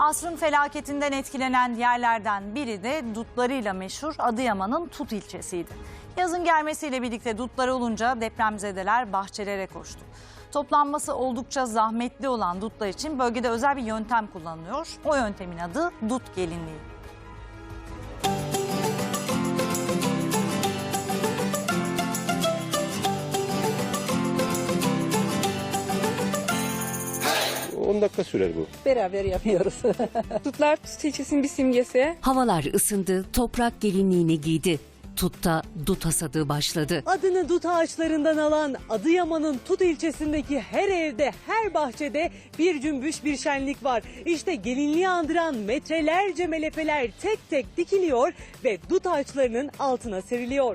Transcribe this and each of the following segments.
Asrın felaketinden etkilenen yerlerden biri de dutlarıyla meşhur Adıyaman'ın Tut ilçesiydi. Yazın gelmesiyle birlikte dutlar olunca depremzedeler bahçelere koştu. Toplanması oldukça zahmetli olan dutlar için bölgede özel bir yöntem kullanılıyor. O yöntemin adı dut gelinliği. Hey! 10 dakika sürer bu. Beraber yapıyoruz. Dutlar Tut ilçesinin bir simgesi. Havalar ısındı, toprak gelinliğini giydi. Tut'ta dut hasadı başladı. Adını dut ağaçlarından alan Adıyaman'ın Tut ilçesindeki her evde, her bahçede bir cümbüş, bir şenlik var. İşte gelinliği andıran metrelerce melefeler tek tek dikiliyor ve dut ağaçlarının altına seriliyor.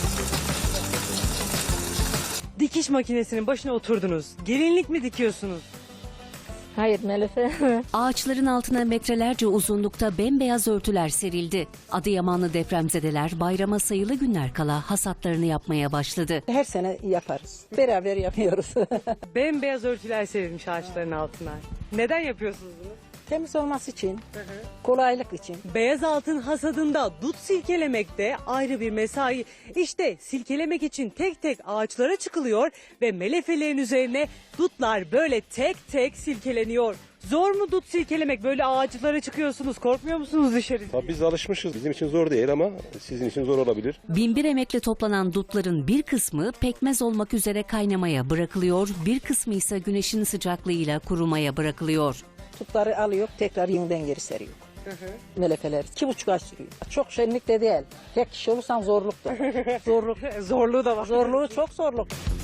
Dikiş makinesinin başına oturdunuz. Gelinlik mi dikiyorsunuz? Hayır melefe. Ağaçların altına metrelerce uzunlukta bembeyaz örtüler serildi. Adıyamanlı depremzedeler bayrama sayılı günler kala hasatlarını yapmaya başladı. Her sene yaparız. Beraber yapıyoruz. Bembeyaz örtüler serilmiş ağaçların altına. Neden yapıyorsunuz bunu? Temiz olması için, kolaylık için. Beyaz altın hasadında dut silkelemek de ayrı bir mesai. İşte silkelemek için tek tek ağaçlara çıkılıyor ve melefelerin üzerine dutlar böyle tek tek silkeleniyor. Zor mu dut silkelemek? Böyle ağaçlara çıkıyorsunuz. Korkmuyor musunuz dışarı? Tabii biz alışmışız. Bizim için zor değil ama sizin için zor olabilir. Binbir emekle toplanan dutların bir kısmı pekmez olmak üzere kaynamaya bırakılıyor, bir kısmı ise güneşin sıcaklığıyla kurumaya bırakılıyor. Tutları alıyor, tekrar yeniden geri seriyor. Melefeler 2,5 ay sürüyor. Çok şenlik de değil. Tek kişi olursan zorluktur. Zorluk. Zorluğu da var. Zorluğu çok zorluk.